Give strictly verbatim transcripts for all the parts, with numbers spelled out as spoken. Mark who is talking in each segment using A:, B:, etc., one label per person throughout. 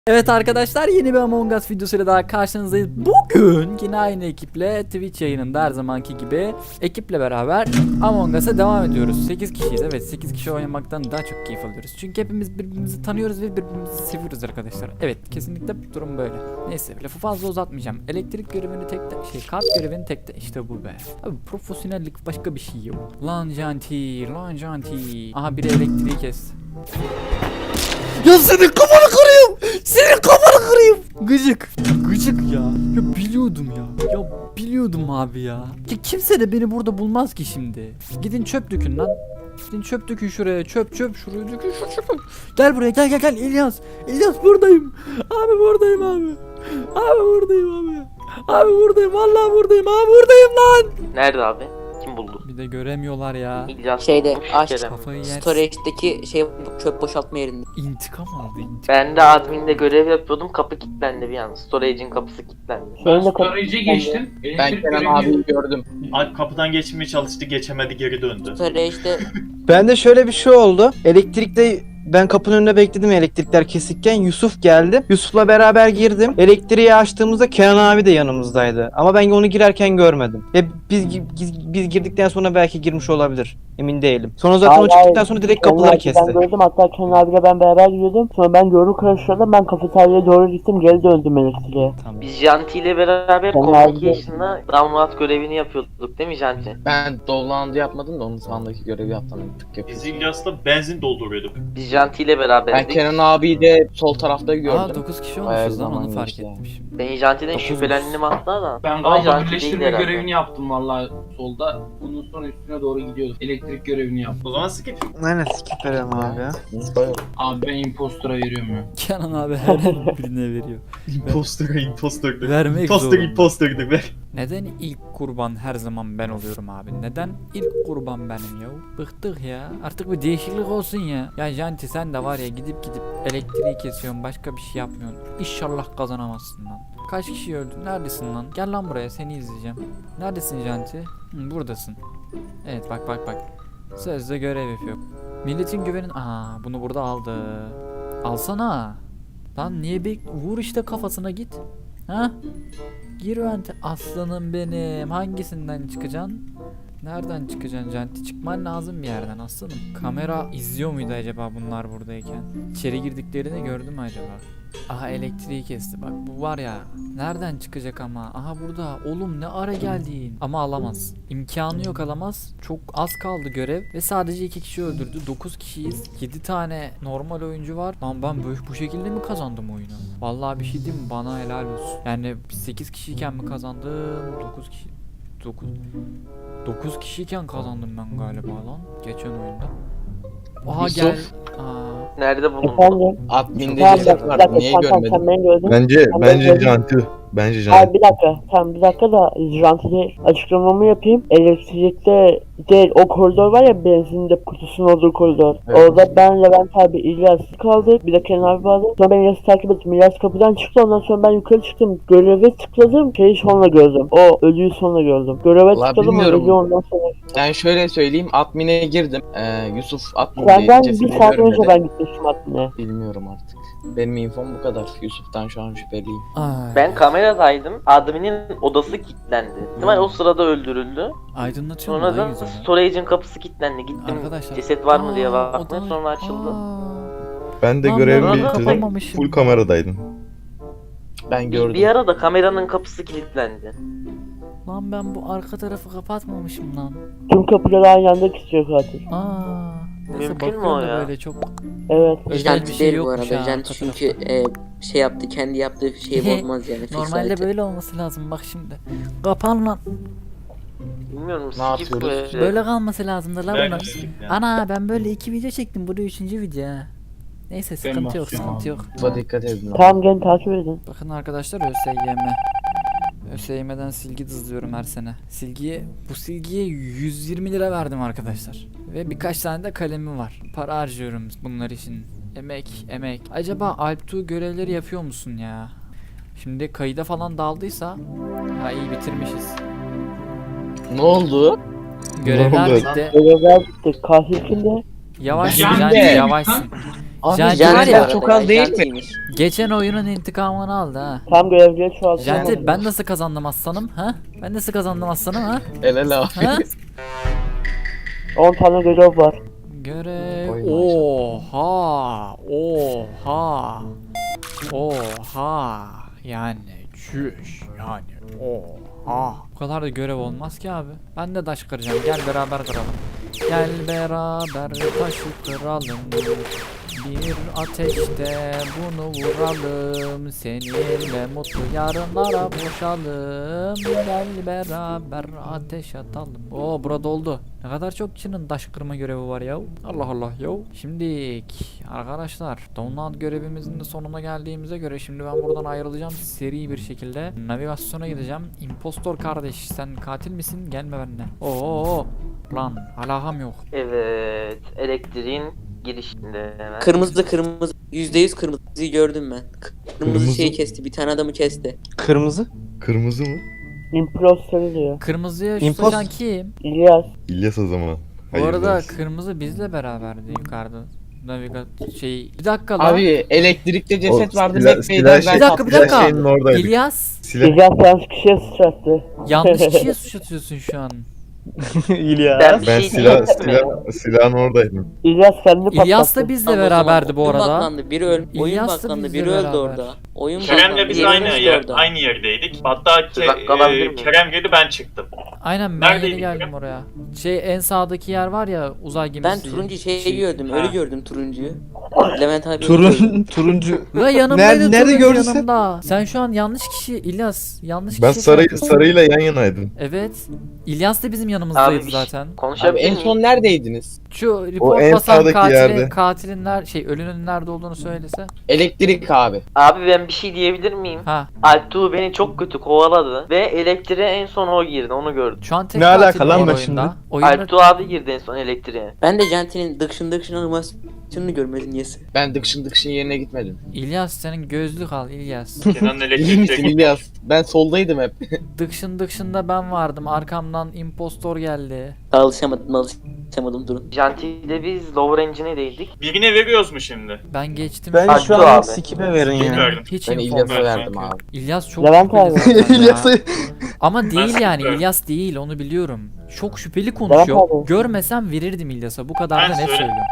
A: Evet arkadaşlar, yeni bir Among Us videosuyla daha karşınızdayız. Bugün yine aynı ekiple Twitch yayınında her zamanki gibi ekiple beraber Among Us'a devam ediyoruz. sekiz kişiyiz, evet, sekiz kişi oynamaktan daha çok keyif alıyoruz. Çünkü hepimiz birbirimizi tanıyoruz ve birbirimizi seviyoruz arkadaşlar. Evet, kesinlikle durum böyle. Neyse, lafı fazla uzatmayacağım. Elektrik görevini tekte, şey kart görevini tekte, işte bu be. Abi profesyonellik başka bir şey yok. Lan janti, lan janti. Aha, biri elektriği kes. Ya senin kafanı kırayım. Senin kafanı kırayım. Gıcık. Gıcık ya. Ya biliyordum ya. Ya biliyordum abi ya. Ya kimse de beni burada bulmaz ki şimdi. Gidin çöp dökün lan. Gidin çöp dökün şuraya. Çöp çöp şuraya dökün şu çöpü. Gel buraya, gel gel gel İlyas. İlyas buradayım. Abi buradayım abi. Abi buradayım abi. Abi buradayım. Vallahi buradayım. Abi buradayım lan.
B: Nerede abi? Kim buldu?
A: Bir de göremiyorlar ya.
B: İlyas
C: Şeyde
B: bulmuş,
C: aç
B: Kerem.
A: Kafayı yersin.
C: storage'deki şey çöp boşaltma yerinde.
A: İntikam aldı, intikam.
B: Ben de adminde görev yapıyordum, kapı kilitlendi bir an. Storage'in kapısı kilitlendi.
D: Ben
C: Şeyinde
D: storage'e geçtim.
E: Ben
D: Elektrik
E: Kerem
D: görevi-
E: abiyi gördüm.
F: Alp kapıdan geçmeye çalıştı, geçemedi, geri döndü.
C: storage'de
E: Bende şöyle bir şey oldu. Elektrikte ben kapının önünde bekledim elektrikler kesikken. Yusuf geldi. Yusuf'la beraber girdim. Elektriği açtığımızda Kenan abi de yanımızdaydı. Ama ben onu girerken görmedim. Ve biz biz, biz girdikten sonra belki girmiş olabilir. Emin değilim. Sonra zaten o
G: Hayır,
E: çıktıktan
G: hayır.
E: sonra direkt
G: Kenan
E: kapıları
G: abi
E: kesti.
G: Ben gördüm, hatta Kenan abiyle ben beraber gidiyordum. Sonra ben yolu karıştırdım, ben kafeteryaya doğru gittim, geri döndüm elektriğe.
E: Tamam.
B: Biz Janti ile beraber
G: Ben
B: communication'da download görevini yapıyorduk değil mi Janti?
E: Ben download'u yapmadım da onun sağındaki görevi yaptım. Tık
F: Biz İlyas'la benzin dolduruyorduk.
B: Biz Janti ile
E: Ben
B: beraberdik.
E: Kenan abiyi de sol tarafta
A: Aa,
E: gördüm.
A: dokuz kişi
E: Bayağı
A: olmuşuz lan,
E: zaman
A: onu fark
E: geçti yani.
A: ettim şimdi.
B: Ben Janti'den
A: Dokuz
B: şüphelendim hatta da.
D: Ben
B: Ama
D: galiba
B: Janti değil
D: birleştirme
B: herhalde.
D: görevini yaptım vallahi solda. Ondan sonra üstüne doğru gidiyordum. Elektrik görevini yaptım.
F: O zaman skip.
E: Aynen skip verelim abi ya.
D: Abi ben impostora veriyorum ya.
A: Kenan abi her birine veriyor.
F: Impostor, impostor.
A: Vermek
F: Impostor,
A: zorunda.
F: impostor ver.
A: Neden ilk kurban her zaman ben oluyorum abi? Neden ilk kurban benim ya? Bıktık ya. Artık bir değişiklik olsun ya. Ya Janti, sen de var ya, gidip gidip elektriği kesiyorsun, başka bir şey yapmıyorsun. İnşallah kazanamazsın lan. Kaç kişi öldü? Neredesin lan? Gel lan buraya, seni izleyeceğim. Neredesin Janti? Hı, buradasın. Evet, bak bak bak. Sözde görev yapıyor. Milletin güvenin... Aa, bunu burada aldı. Alsana. Lan niye bek... Vur işte kafasına, git. Ha? Gir vente. Aslanım benim. Hangisinden çıkacaksın? Nereden çıkacaksın Janti? Çıkman lazım bir yerden aslanım. Kamera izliyor muydu acaba bunlar buradayken? İçeri girdiklerini gördü mü acaba? Aha, elektriği kesti, bak bu var ya. Nereden çıkacak ama? Aha burada. Oğlum ne ara geldin? Ama alamaz. İmkanı yok, alamaz. Çok az kaldı görev ve sadece iki kişi öldürdü. dokuz kişiyiz. yedi tane normal oyuncu var. Lan ben böyle bu şekilde mi kazandım oyunu? Vallahi bir şey diyeyim mi? Bana helal olsun. Yani sekiz kişiyken mi kazandım? dokuz kişi. dokuz dokuz kişiyken kazandım ben galiba lan geçen oyunda. Aha
E: Yusuf.
A: gel. Aa.
B: Nerede bulundu?
G: Efendim?
E: Adminde
G: Tamam, bir
E: ceset
G: dakika, bir
E: vardı.
G: dakika,
E: Niye
G: sen, sen, sen
E: görmedin?
G: beni gördün.
H: Bence
G: Sen
H: bence
G: beni gördün.
H: Janti. Bence
G: Hayır,
H: Janti.
G: bir dakika, tamam bir dakika da Janti'de açıklamamı yapayım. Elektrikte değil, o koridor var ya, benzinde kutusunun olduğu koridor.
E: Evet.
G: Orada ben, Levent abi, İlyas kaldık. Bir de Kenan abi vardı. Sonra ben İlyas'ı takip ettim. İlyas kapıdan çıktı, ondan sonra ben yukarı çıktım. Göreve tıkladım, şeyi sonra gördüm. O ölüyü sonra gördüm. Göreve
E: Vallahi
G: tıkladım, o
E: bilmiyorum.
G: ölüyü ondan sonra.
E: Ben şöyle söyleyeyim. Admin'e girdim. Ee, Yusuf admin'deydi.
G: Senden bir
E: Cesedi
G: saat önce
E: görmedi.
G: ben gitmiştim admine.
E: Bilmiyorum artık. Benim infom bu kadar. Yusuf'tan şu an şüpheliyim.
A: Ay.
B: Ben kameradaydım. Admin'in odası kilitlendi. İhtimal o sırada öldürüldü.
A: Aydınlatıyor mu
B: Sonra
A: lan
B: da
A: yüzünü?
B: storage'in kapısı kilitlendi. Gittim,
A: Arkadaşlar.
B: ceset var mı diye
A: Aa,
B: baktım,
A: odan-
B: sonra açıldı.
A: Aa.
H: Ben de
A: Lan
H: görevi
B: ben
H: bitirdim.
A: kapamamışım.
H: Full kameradaydım.
E: Ben gördüm.
B: Bir ara da kameranın kapısı kilitlendi.
A: Lan ben bu arka tarafı kapatmamışım lan.
G: Tüm kapıları aynı anda kesiyor katil.
A: Aa. Neyse,
B: Mümkün mü
A: bakıyorum
B: o
A: da
B: ya?
A: böyle çok
G: Evet.
A: özel bir
C: Janti
A: şey
C: değil bu
A: yokmuş
C: arada.
A: ha
C: Janti
A: arka
C: çünkü
A: tarafta.
C: e, şey yaptı, kendi yaptığı şeyi bozmaz yani. fix
A: Normalde
C: hareket.
A: böyle olması lazım, bak şimdi. Kapan lan.
B: Bilmiyorum,
E: Ne
B: skip
E: yapıyoruz?
B: böyle.
A: Böyle kalması lazımdı lan
F: Ben
A: bunlar.
F: skip yani.
A: Ana, ben böyle iki video çektim, bu da üçüncü video ha. Neyse, sıkıntı yok,
D: basacağım
A: sıkıntı
D: abi.
A: yok.
E: Yusuf'a dikkat edin.
G: Tamam, gelin takip edin.
A: Bakın arkadaşlar, ÖSYM. ÖSYM'den silgi dızlıyorum her sene. Silgiye, bu silgiye yüz yirmi lira verdim arkadaşlar. Ve birkaç tane de kalemim var. Para harcıyorum bunlar için. Emek, emek. Acaba Alptu görevleri yapıyor musun ya? Şimdi kayıda falan daldıysa, ha iyi, bitirmişiz.
E: Ne oldu?
A: Görevler
H: oldu?
A: bitti.
G: Görevler bitti. Katil kimde?
A: Yavaşsın
D: Ben
A: Janti,
D: de.
A: yavaşsın.
I: Abi
A: Janti
C: Janti
A: var
C: bu
A: ya,
C: arada
I: çok az değil mi?
C: Jantiymiş.
A: geçen oyunun intikamını aldı ha.
G: Tam görevliye çoğaltamadım.
A: Janti ben nasıl kazandım aslanım ha? Ben nasıl kazandım aslanım ha?
I: Helal abi.
A: Ha?
G: on tane görev var.
A: Görev.
I: Oy
A: Oha. Oha. Oha. Yani çüş. Yani oha. Bu kadar da görev olmaz ki abi. Ben de taş kıracağım. Gel beraber kıralım. Gel beraber taşı kıralım. Bir ateşte bunu vuralım. Seninle mutlu yarınlara boşalım. Gel beraber ateş atalım. Oo burada oldu. Ne kadar çok kişinin taş kırma görevi var ya. Allah Allah ya. Şimdi arkadaşlar download görevimizin de sonuna geldiğimize göre şimdi ben buradan ayrılacağım seri bir şekilde. Navigasyona gideceğim. Impostor kardeş sen katil misin? Gelme benimle. Oo lan alakam yok.
B: Evet. Elektriğin girişinde hemen.
C: Kırmızı kırmızı. Yüzde yüz kırmızıyı gördüm ben. Kırmızı,
H: Kırmızı.
C: şeyi kesti. Bir tane adamı kesti.
E: Kırmızı.
H: Kırmızı mı?
G: Imposter diyor.
A: Kırmızıya şu
E: Impos-
A: saçan kim?
G: İlyas.
H: İlyas o zaman.
A: Bu arada
H: Hayırlı olsun.
A: kırmızı bizle beraberdi yukarıda. Navigat şey bir dakika lan.
I: Abi elektrikte ceset
H: O
I: vardı.
H: silah-
I: Mac
H: silah
I: Bey'den
H: şey-
A: Bir
I: ben
A: dakika bir
H: silah
A: dakika.
H: şeyinin oradaydık.
A: İlyas
H: Silah.
G: İlyas yanlış kişiye sıçrattı.
A: yanlış kişiye suç atıyorsun şu an.
E: İlyas.
B: Ben bir
H: Ben
B: şey
H: silah,
B: diyeyim mi?
H: silah, silahın oradaydım.
G: İlyas kendini patlattı.
A: İlyas da bizle
C: Tamam, o
A: beraberdi
C: zaman
A: bu
C: oyun
A: arada.
C: baklandı, biri öl oyun
A: İlyas da
C: baklandı,
A: bizle
C: biri öldü
A: beraber.
C: orada. Oyun
F: Kerem'le
C: baklandı,
F: biz
C: biri
F: aynı
C: öldü
F: yer,
C: orada.
F: aynı yerdeydik. Hatta
B: Bir dakika alabilir
F: Ke- e,
B: miyim?
F: Kerem girdi ben çıktım.
A: Aynen ben yeni
F: Neredeydik
A: geldim
F: ya?
A: oraya. Şey en sağdaki yer var ya uzay
C: Ben
A: gemisi.
C: turuncu şeyi
A: Şey-
C: gördüm,
F: Ha.
C: ölü gördüm turuncuyu. Levent abi ölü gördüm.
E: Turun, turuncu.
A: Ve yanımdaydı
E: Nerede- nerede
A: turuncu
E: gördün sen?
A: yanımda. Sen şu an yanlış kişi İlyas. Yanlış
H: Ben
A: kişi
H: sarı,
A: yapıyorsun.
H: sarıyla yan yanaydım.
A: Evet. İlyas da bizim yanımızdaydı
B: Abi,
A: zaten.
I: Abi
B: Konuşabilir
I: en
B: miyim?
I: son neredeydiniz?
A: Şu report
H: en
A: basan
H: sağdaki
A: katilin,
H: yerde.
A: katilin ner şey ölünün nerede olduğunu söylese.
I: Elektrik abi.
B: Abi ben bir şey diyebilir miyim?
A: Ha.
B: Altuğ beni çok kötü kovaladı ve elektriğe en son o girdi, onu gördüm.
A: Şu an tek
E: Ne
A: katil
E: alaka lan
A: var
E: ben
A: oyunda.
E: şimdi?
A: Oyunda
B: Altuğ abi girdi en son elektriğe.
C: Ben de Janti'nin dıkşın dıkşın animasyonunu görmedim niyesi.
I: Ben dıkşın dıkşın yerine gitmedim.
A: İlyas senin gözlük al İlyas.
F: Kenan'ın
I: İyi
F: elektriğe
I: misin İlyas? Ben soldaydım hep.
A: Dıkşın dıkşında ben vardım. Arkamdan impostor geldi.
C: Alışamadım alışamadım durun.
B: Janti ile biz lower engine'deydik.
F: Birine veriyoruz mu şimdi?
A: Ben geçtim.
E: Ben
B: Hadi
E: şu
B: abi.
E: an skip'e verin ya.
F: Bilmiyorum.
A: Hiç
I: Ben
A: infom
I: İlyas'a
A: yok.
I: verdim abi.
A: İlyas çok
G: Levent
A: şüpheli
G: abi.
A: zaten ya.
E: İlyas'ı
A: Ama değil yani
F: sıkıyorum.
A: İlyas değil onu biliyorum. Çok şüpheli konuşuyor.
G: abi.
A: Görmesem verirdim İlyas'a. Bu kadar
F: Ben
A: da net
F: söyle.
A: söylüyorum.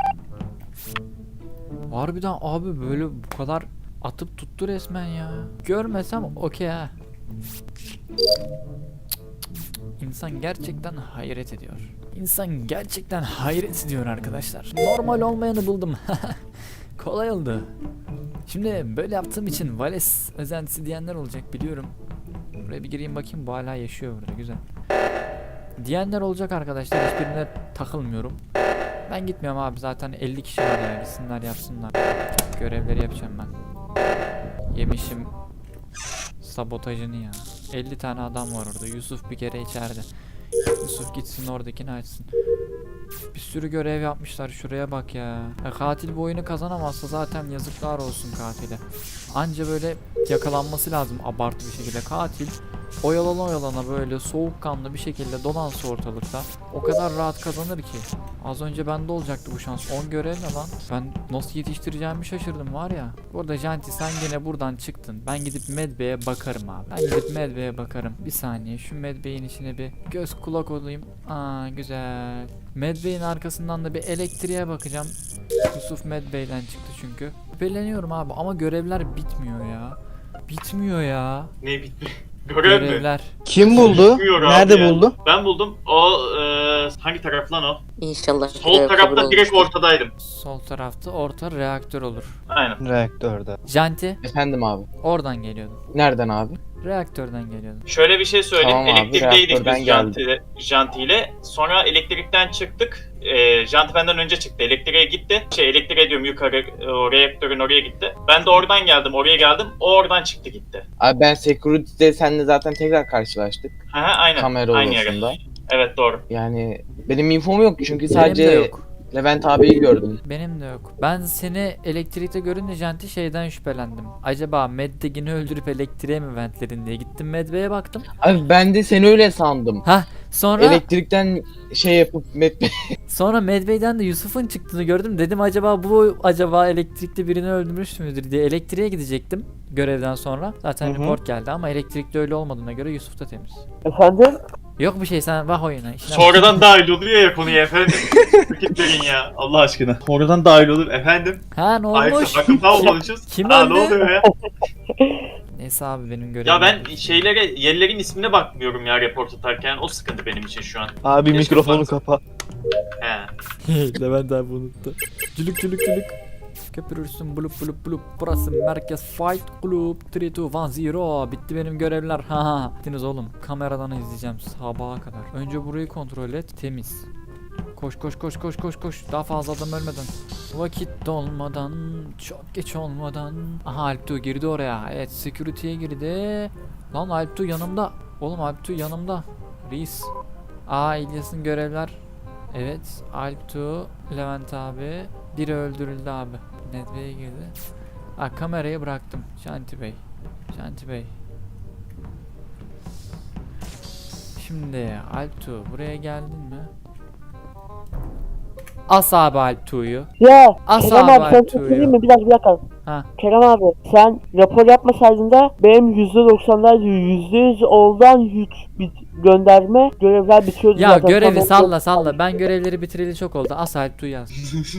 A: Harbiden abi böyle bu kadar atıp tuttu resmen ya. Görmesem okey ha. İnsan gerçekten hayret ediyor. İnsan gerçekten hayret ediyor arkadaşlar. Normal olmayanı buldum. Kolay oldu. Şimdi böyle yaptığım için Vales özentisi diyenler olacak biliyorum. Buraya bir gireyim bakayım, bu hala yaşıyor burada, güzel. Diyenler olacak arkadaşlar, hiçbirine takılmıyorum. Ben gitmiyorum abi, zaten elli kişi var ya, gitsinler yapsınlar. Görevleri yapacağım ben. Yemişim sabotajını ya. elli tane adam var orada. Yusuf bir kere içeride. Yusuf gitsin oradakini açsın. Bir sürü görev yapmışlar, şuraya bak ya. Ya katil bu oyunu kazanamazsa zaten yazıklar olsun katile. Anca böyle yakalanması lazım abartı bir şekilde. Katil oyalana oyalana böyle soğukkanlı bir şekilde dolansa ortalıkta o kadar rahat kazanır ki. Az önce bende olacaktı bu şans. on görev ne lan? Ben nasıl yetiştireceğimi şaşırdım var ya. Bu arada Janti sen yine buradan çıktın. Ben gidip Medbay'e bakarım abi. Ben gidip Medbay'e bakarım. Bir saniye şu Medbay'in içine bir göz kulak olayım. Aa güzel. Medbay'in arkasından da bir elektriğe bakacağım. Yusuf Medbay'den çıktı çünkü. Şüpheleniyorum abi ama görevler bitmiyor ya. Bitmiyor ya.
F: Ne bitti? Görev mi?
A: Görevler.
E: kim buldu?
F: Bilmiyorum abi
E: Nerede
F: ya.
E: buldu?
F: Ben buldum. O e, hangi taraf lan o?
C: İnşallah.
F: Sol
C: görev kabul
F: tarafta direkt
C: olmuştur.
F: ortadaydım.
A: Sol tarafta orta reaktör olur.
F: Aynen.
E: Reaktörde.
A: Janti
I: Efendim abi.
A: oradan geliyordun.
I: Nereden abi?
A: Reaktörden geliyordun.
F: Şöyle bir şey söyleyeyim.
I: Tamam abi,
F: Elektrikteydik
I: reaktörden
F: biz Janti ile, Janti ile. Sonra elektrikten çıktık. E, Janti benden önce çıktı. Elektriğe gitti. Şey elektriğe diyorum yukarı e, o reaktörün oraya gitti. Ben de oradan geldim. Oraya geldim. O oradan çıktı gitti.
I: Abi ben security'de seninle zaten tekrar karşılaştık.
F: Hı hı aynen.
I: Kamera
F: Aynı
I: odasında.
F: yere. Evet doğru.
I: Yani benim infom yok çünkü
A: Benim de
I: sadece
A: yok.
I: Levent abiyi gördüm.
A: Benim de yok. Ben seni elektrikte görünce Janti şeyden şüphelendim. Acaba Meddegin'i öldürüp elektriğe mi ventledin diye gittim Medve'ye baktım.
I: Abi ben de seni öyle sandım.
A: Ha sonra
I: Elektrikten şey yapıp met
A: sonra Medve'den de Yusuf'un çıktığını gördüm. Dedim acaba bu acaba elektrikte birini öldürmüş müdür diye elektriğe gidecektim görevden sonra. Zaten
E: Hı hı.
A: report geldi ama elektrikte öyle olmadığına göre Yusuf da temiz.
G: Efendim?
A: Yok bir şey sen bak oyuna. işine bak.
F: Sonradan dahil oluyor ya konuya efendim. Vakit verin ya Allah aşkına. Sonradan dahil olur efendim.
A: Ha ne
F: Ay
A: olmuş?
F: akılda olmalıyız.
A: Kim
F: Aa,
A: öldü?
F: ne oluyor ya?
A: Neyse abi benim görevim.
F: Ya ben şeylere, yerlerin ismine bakmıyorum ya report atarken. O sıkıntı benim için şu an.
E: Abi
F: Keşke
E: mikrofonu
F: fark-
E: kapa.
F: He.
A: Levent abi unuttu. Cülük cülük cülük. Köpürürsün bulup bulup bulup. Burası Merkez Fight Club. üç iki bir sıfır. Bitti benim görevler. Ha ha. Bittiniz oğlum. Kameradan izleyeceğim sabaha kadar. Önce burayı kontrol et. Temiz. Koş koş koş koş koş koş. Daha fazla adam ölmeden. Vakit dolmadan. Çok geç olmadan. Aha Alptu girdi oraya. Evet security'ye girdi. Lan Alptu yanımda. Oğlum Alptu yanımda. Reis. Aa İlyas'ın görevler. Evet Alptu, Levent abi. Biri öldürüldü abi. Nedve'ye girdi. Ha kamerayı bıraktım. Şanti Bey. Şanti Bey. Şimdi Alptu buraya geldin mi? As abi Alptu'yu.
G: Ya
A: As
G: Kerem
A: abi
G: abi sen
A: Alptu'yu.
G: söyleyeyim mi? Bir dakika bir dakika.
A: Ha.
G: Kerem abi sen rapor yapmasaydın da benim yüzde doksanlar yüzde yüz oldan yük bit- gönderme görevler bitiyordu
A: Ya
G: zaten.
A: görevi
G: Sonra-
A: salla salla. Ben görevleri bitireli çok oldu. As Alptu'yu yaz.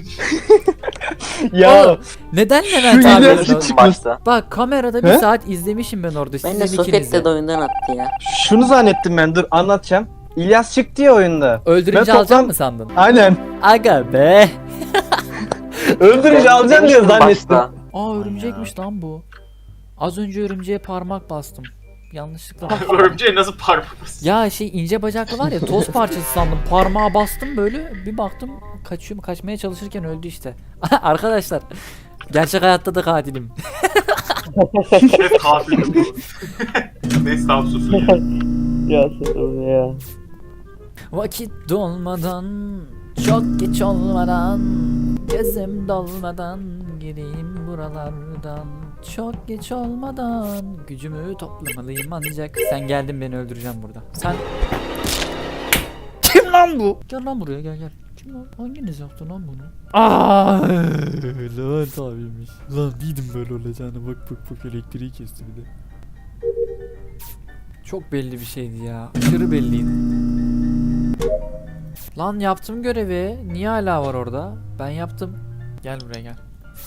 E: Ya
A: Oğlum, neden
E: Şu
A: Levent
E: İlyas
A: abi?
E: hiç çıkmaz.
B: Başta.
A: Bak kamerada bir
E: He?
A: saat izlemişim ben orada.
C: Ben de
A: Sizin
C: Sofyet'te
A: ikinizi.
C: de oyundan attı ya.
E: şunu zannettim ben, dur anlatacağım. İlyas çıktı ya oyunda.
A: Öldürünce
E: Ben toplam-
A: alacak mı sandın?
E: Aynen.
A: Aga be.
E: Öldürünce alacağım diye
B: Demiştim
E: zannettim.
B: başta.
A: Aa örümcekmiş lan bu. Az önce örümceğe parmak bastım. Yanlışlıkla.
F: Örümceğe nasıl parmağımız?
A: Ya şey ince bacaklı var ya toz parçası sandım. Parmağa bastım böyle bir baktım kaçıyor kaçmaya çalışırken öldü işte. Arkadaşlar gerçek hayatta da katilim.
F: Hep kafilim bu. Neyse tamam susun ya.
G: Ya sen ya.
A: Vakit dolmadan çok geç olmadan gözüm dolmadan gireyim buralardan çok geç olmadan gücümü toplamalıyım ancak sen geldin beni öldüreceğim burada. Sen kim lan bu? Gel lan buraya gel gel. Kim lan? Hanginiz yaptı lan bunu? Aaaa Levent abiymiş. Lan değildim böyle olacağını bak bak bak elektriği kesti bir de. Çok belli bir şeydi ya. Aşırı belliydi. Lan yaptım görevi. Niye hala var orada? Ben yaptım. Gel buraya gel.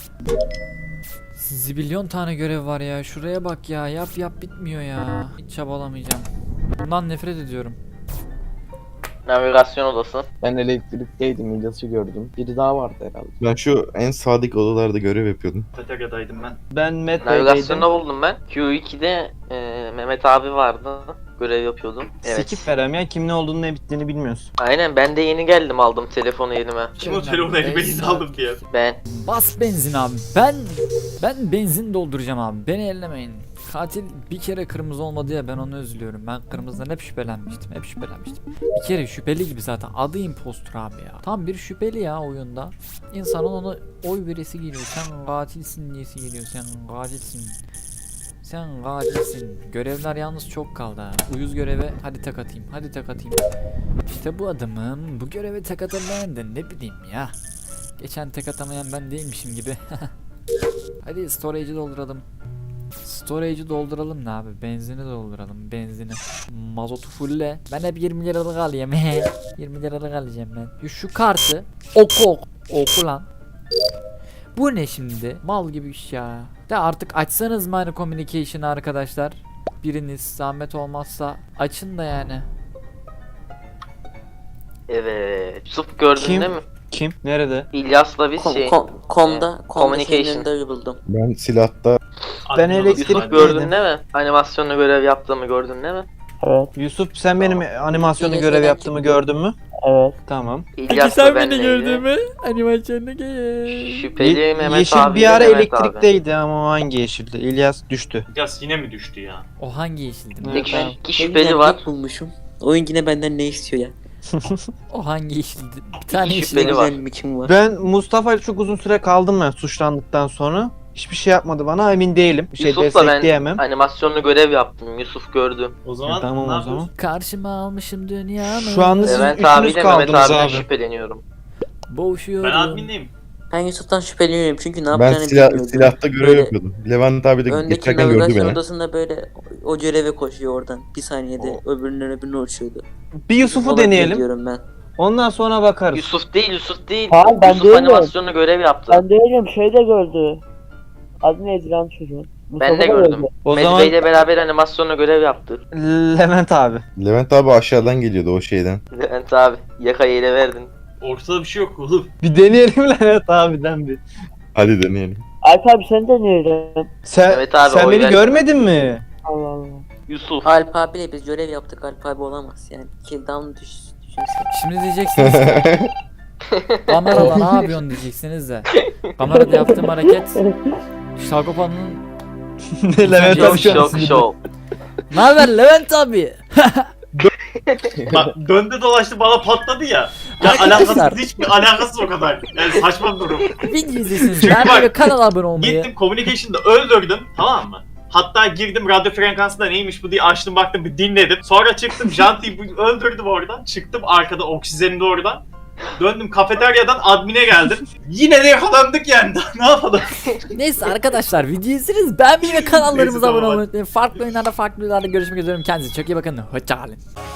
A: Zibilyon tane görev var ya. Şuraya bak ya. Yap yap bitmiyor ya. Hiç çabalamayacağım. Bundan nefret ediyorum.
B: Navigasyon odası.
I: Ben elektrikteydim, İlyas'ı gördüm. Biri daha vardı herhalde.
H: Ben şu en sadık odalarda görev yapıyordum.
F: Kafeteryadaydım ben.
E: Ben Medve'deydim.
B: Navigasyonda buldum ben. Q iki'de e, Mehmet abi vardı. Görev yapıyordum. Evet.
E: Skip verem ya, kim ne olduğunu ne bittiğini bilmiyorsun.
B: Aynen ben de yeni geldim aldım telefonu elime.
F: Kim o telefonu elime yeni aldım diye.
B: Ben.
A: Bas benzin abi. Ben ben benzin dolduracağım abi. Beni ellemeyin. Katil bir kere kırmızı olmadı ya ben onu üzülüyorum. Ben kırmızıdan hep şüphelenmiştim. Hep şüphelenmiştim. Bir kere şüpheli gibi zaten. Adı impostor abi ya. Tam bir şüpheli ya oyunda. İnsanın ona oy veresi geliyor. Sen katilsin diyesi geliyor. Sen katilsin. Sen katilsin. Görevler yalnız çok kaldı ha. Uyuz göreve hadi tek atayım. Hadi tek atayım. İşte bu adamım. Bu göreve tek atamayan da ne bileyim ya. Geçen tek atamayan ben değilmişim gibi. Hadi storage'i dolduralım. Storage'i dolduralım ne abi? Benzini dolduralım. Benzini. Mazotu fulle. Ben hep yirmi liralık alayım. yirmi liralık alacağım ben. Şu kartı oku oku. Oku lan. Bu ne şimdi? Mal gibi iş ya. De artık açsanız mı hani communication'ı arkadaşlar? Biriniz zahmet olmazsa açın da yani.
B: Evet. Yusuf gördün
E: Kim?
B: değil mi?
E: Kim? Nerede?
B: İlyas'la biz
C: Kom,
B: şey.
C: kom, komda, komda senin
B: communication.
C: önünde buldum.
H: Ben silahta
E: Ben
F: Admin
E: elektrik-
B: Yusuf
F: odası-
B: gördün değil mi? Animasyonla görev yaptığımı gördün değil mi?
G: Evet
E: Yusuf sen benim animasyonu
C: İlyas
E: görev
C: neden
E: yaptığımı
C: çıktı?
E: gördün mü?
G: evet.
E: Tamam.
B: İlyas'la benleydi.
A: mü? Animasyonda gel.
B: Şüpheli
E: Ye-
B: Mehmet
E: Yeşil
B: abi.
E: bir ara
B: Mehmet abi.
E: elektrikteydi ama o hangi yeşildi? İlyas düştü.
F: İlyas yine mi düştü ya?
A: O hangi yeşildi?
E: Evet.
B: Tek
E: Ben-
B: iki şüpheli
C: Ben
B: var.
C: tek bulmuşum. Oyun yine benden ne istiyor ya?
A: O hangi işti? Bir tane işti.
B: Şüpheli var.
C: Özel bir kim var?
E: Ben Mustafa ile çok uzun süre kaldım ben suçlandıktan sonra. Hiçbir şey yapmadı bana, emin değilim. Bir şey
B: Yusuf'la ben
E: destekleyemem.
B: animasyonlu görev yaptım. Yusuf gördü.
F: O zaman
E: Tamam
F: ne
E: o
F: yapıyoruz?
E: zaman.
A: Karşıma almışım dünyamı.
E: Şu anda siz
B: Levent
E: üçünüz
B: abiyle Mehmet
E: kaldınız
B: abiden
E: abi.
B: şüpheleniyorum.
A: Boğuşuyorum.
F: Ben admindeyim.
C: Ben Yusuf'tan şüpheleniyorum çünkü ne
H: Ben
C: yapacağını
H: silah,
C: bilmiyordu.
H: silahta görev
C: Böyle
H: yapıyordum. Levent abi de
C: Öndeki
H: geçerken gördü
C: navigasyon
H: beni.
C: odasında böyle o göreve koşuyor oradan. Bir saniyede öbürünün öbürüne uçuyordu.
E: Bir Yusuf'u
C: Olabilir
E: deneyelim.
C: diyorum ben.
E: Ondan sonra bakarız.
B: Yusuf değil, Yusuf değil.
G: Hayır, ben
B: Yusuf
G: değilim.
B: animasyonlu görev yaptı.
G: Ben değilim, şey de gördü. Adı neydi lan çocuğun?
B: Ben de
G: Mustafa da
B: gördüm.
G: gördü.
E: O
B: Medve
E: zaman
B: ile beraber animasyonlu görev yaptı.
E: Levent abi.
H: Levent abi aşağıdan geliyordu o şeyden.
B: Levent abi yakayı ele verdin.
F: Ortada bir şey yok oğlum.
E: Bir deneyelim Levent abiden bir.
H: Hadi deneyelim.
G: Alp abi sen deneyelim.
E: Sen,
B: Evet abi,
E: sen
B: oy
E: beni
B: ver.
E: görmedin mi?
G: Allah Allah.
B: Yusuf.
C: Alp abiyle biz görev yaptık. Alp abi olamaz yani. Killdown düş, düşünsene.
A: Şimdi diyeceksiniz ki kamerada ne yapıyorsun diyeceksiniz de. Kamerada yaptığım hareket Şagopa'nın
E: Levent abi şu an
B: Şok
E: sinirli.
B: şok.
A: ne haber Levent abi?
F: Bak döndü dolaştı bana patladı ya. Ya
A: Arkadaşlar.
F: alakasız, hiçbir alakasız o kadar. Yani saçma bir durum.
A: Video izleyeceksiniz.
F: Çünkü
A: Ben
F: bak,
A: böyle kanala abone olmayı.
F: Gittim communication'da öldürdüm, tamam mı? Hatta girdim radyo frekansında neymiş bu diye açtım baktım bir dinledim. Sonra çıktım Janti'yi öldürdüm oradan. Çıktım arkada oksijenli oradan. Döndüm kafeteryadan admine geldim. Yine de yakalandık yani. Ne yapalım?
A: Neyse arkadaşlar video izleriz. Beğenmeyi ve kanallarımıza
F: Neyse,
A: abone
F: tamam,
A: olmayı unutmayın. Farklı oyunlarda farklı videolarda görüşmek üzere. Kendinize çok iyi bakın. Hoşçakalın.